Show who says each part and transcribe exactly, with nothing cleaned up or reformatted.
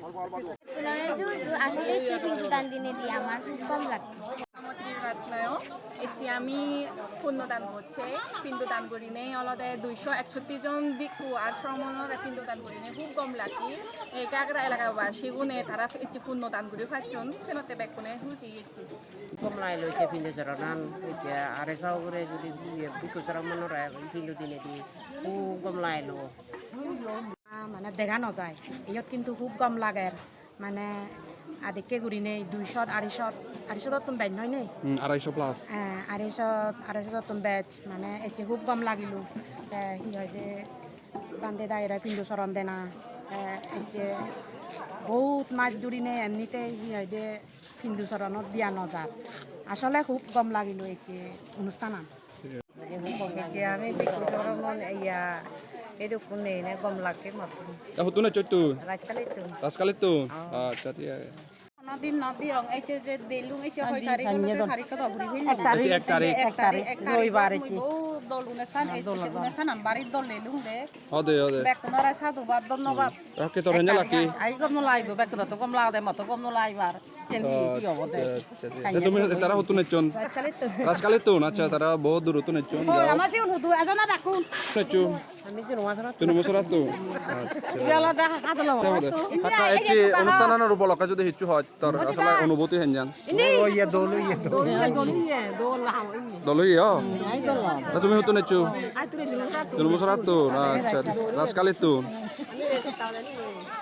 Speaker 1: তুলনায় জুজু আসলে চিপিং দান দিনে দিয়ে আমার খুব কম লাগতো।
Speaker 2: Ratnayo, আমি পুণ্যদান করছে পিণ্ডদান করি নেই অলদে দুইশো একষট্টি জন ভিক্ষু আর শ্রমণরা পিণ্ডদান করি নেই খুব কম লাগি এই কাকরা এলাকাবাসী গুণে তারা একটি পুণ্যদান করে পাচ্ছেন সেনতে বেকুনে হুজি গেছি
Speaker 3: কম লাই লইছে পিণ্ডু চরণান হইছে আরে খাও করে যদি ভিক্ষু শ্রমণরা পিণ্ডু দিনে দি খুব কম লাই লো
Speaker 4: মানে দেখা নাযায় ইয়াত কিন্তু খুব কম লাগে মানে আদিকে ঘূৰি নেই দুইশ আঢ়ৈশ আঢ়ৈশ তুম বেজ নহয় নে
Speaker 5: আড়াইশ প্লাস
Speaker 4: আঢ়ৈশ আঢ়ৈশ তুম বেজ মানে এতিয়া খুব কম লাগিলো সি হয় যে বান্ধে দায়রা পিণ্ডু চরণ দেনা এতিয়া বহুত মাছ ধৰি নে এমনিতে সি হয় যে পিণ্ডু চৰণত দিয়া নাযায় আসলে খুব কম লাগিলো এতিয়া অনুষ্ঠানত
Speaker 3: আমি ভিক্ষু শ্রমণ ইয়া itu kuning ini gom laki matu.
Speaker 5: Tahu tu nak cuci?
Speaker 3: Raskali itu.
Speaker 5: Raskali tu. Ah, jadi ya.
Speaker 2: নদী নদী অং এই যে দেলুং এই যে হয় তারিখ হলো যে তারিখ কত ঘুরি হইল
Speaker 5: এক তারিখ এক তারিখ
Speaker 2: এক তারিখ এক রবিবার কি ও দল অনুষ্ঠান এই যে অনুষ্ঠান বাড়ি দল লেলুং দে
Speaker 5: Ada ada.
Speaker 2: বেকনরা সাধুবাদ ধন্যবাদ
Speaker 5: Rakyat orangnya laki.
Speaker 4: আই গম নলাইব বেকন তো গম লাও দে মতো গম নলাইবার কেন্দি কি হবো দে
Speaker 5: Jadi তুমি তারা হতো নেচন। Raskali tu, নাচা তারা বহুত দূর হতো নেচন।
Speaker 4: আমার Jio নুদু এজনা বাকুন
Speaker 5: নেচু।
Speaker 3: Kami di rumah sana.
Speaker 5: তুমি বছর তো।
Speaker 4: ইয়ালা দে হাতলো
Speaker 5: হাতা এচি অনুষ্ঠানের উপলক্ষে যদি হিচু হয় তোর আসলে অনুভূতি হেন জান।
Speaker 3: Oh iya dulu iya dulu.
Speaker 4: দলি দল লাও ইনি
Speaker 5: দলই ইয়া।
Speaker 4: আই দল
Speaker 5: তা তুমি হতো নেচু।
Speaker 4: আই তুই দিন
Speaker 5: তুমি বছর তো। আচ্ছা। রাসকালি তো।